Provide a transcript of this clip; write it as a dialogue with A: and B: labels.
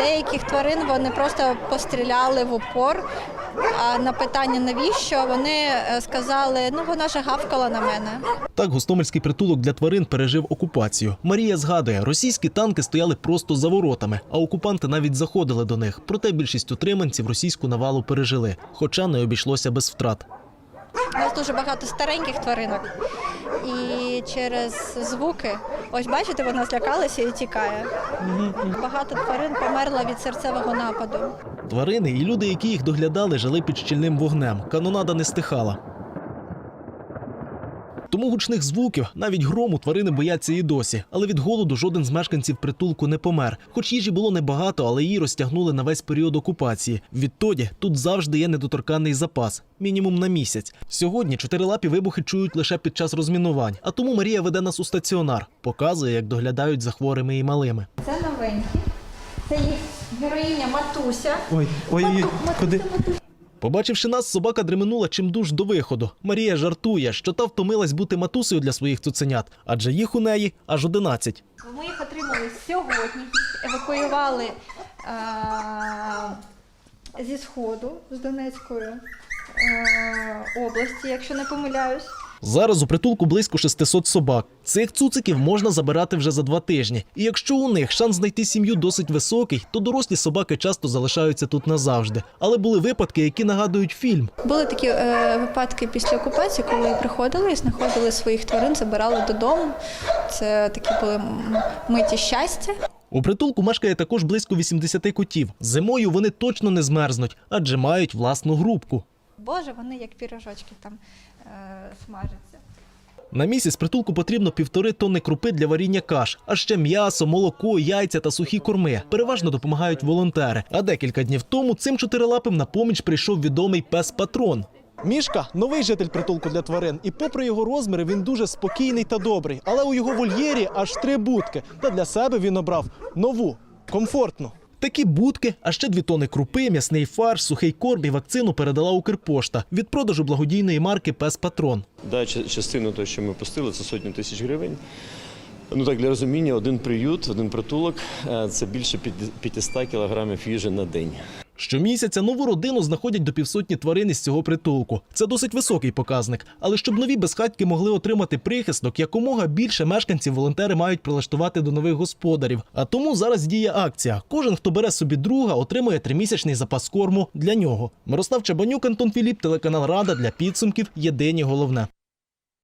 A: деяких тварин вони просто постріляли в упор, а на питання навіщо, вони сказали, ну вона ж гавкала на мене.
B: Так гостомельський притулок для тварин пережив окупацію. Марія згадує, російські танки стояли просто за воротами, а окупанти навіть заходили до них. Проте більшість утриманців російську навалу пережили, хоча не обійшлося без втрат.
A: У нас дуже багато стареньких тваринок, і через звуки, ось бачите, вона злякалася і тікає. Багато тварин померло від серцевого нападу.
B: Тварини і люди, які їх доглядали, жили під щільним вогнем. Канонада не стихала. Тому гучних звуків, навіть грому, тварини бояться і досі. Але від голоду жоден з мешканців притулку не помер. Хоч їжі було небагато, але її розтягнули на весь період окупації. Відтоді тут завжди є недоторканний запас. Мінімум на місяць. Сьогодні чотирилапі вибухи чують лише під час розмінувань. А тому Марія веде нас у стаціонар. Показує, як доглядають за хворими і малими.
A: Це новенькі. Це їх героїня Матуся.
B: Ой, куди? Побачивши нас, собака дременула чимдуж до виходу. Марія жартує, що та втомилась бути матусею для своїх цуценят, адже їх у неї аж 11.
A: Ми їх отримали сьогодні, їх евакуювали зі Сходу, з Донецької області, якщо не помиляюсь.
B: Зараз у притулку близько 600 собак. Цих цуциків можна забирати вже за 2 тижні. І якщо у них шанс знайти сім'ю досить високий, то дорослі собаки часто залишаються тут назавжди. Але були випадки, які нагадують фільм.
A: Були такі випадки після окупації, коли приходили і знаходили своїх тварин, забирали додому. Це такі були миті щастя.
B: У притулку мешкає також близько 80 котів. Зимою вони точно не змерзнуть, адже мають власну грубку.
A: Боже, вони як пірожочки там смажаться.
B: На місяць притулку потрібно 1,5 тонни крупи для варіння каш, а ще м'ясо, молоко, яйця та сухі корми. Переважно допомагають волонтери. А декілька днів тому цим чотирилапим на поміч прийшов відомий пес-патрон. Мішка – новий житель притулку для тварин. І попри його розміри, він дуже спокійний та добрий. Але у його вольєрі аж 3 будки. Та для себе він обрав нову, комфортну. Такі будки, а ще 2 тонни крупи, м'ясний фарш, сухий корм і вакцину передала Укрпошта від продажу благодійної марки «Пес-патрон».
C: Да, частину того, що ми пустили, це сотні тисяч гривень. Ну так, для розуміння, один приют, один притулок – це більше 500 кілограмів їжі на день.
B: Щомісяця нову родину знаходять до 500 тварин із цього притулку. Це досить високий показник. Але щоб нові безхатьки могли отримати прихисток, якомога більше мешканців волонтери мають прилаштувати до нових господарів. А тому зараз діє акція. Кожен, хто бере собі друга, отримує 3-місячний запас корму для нього. Мирослав Чабанюк, Антон Філіп, телеканал Рада. Для підсумків єдині головне.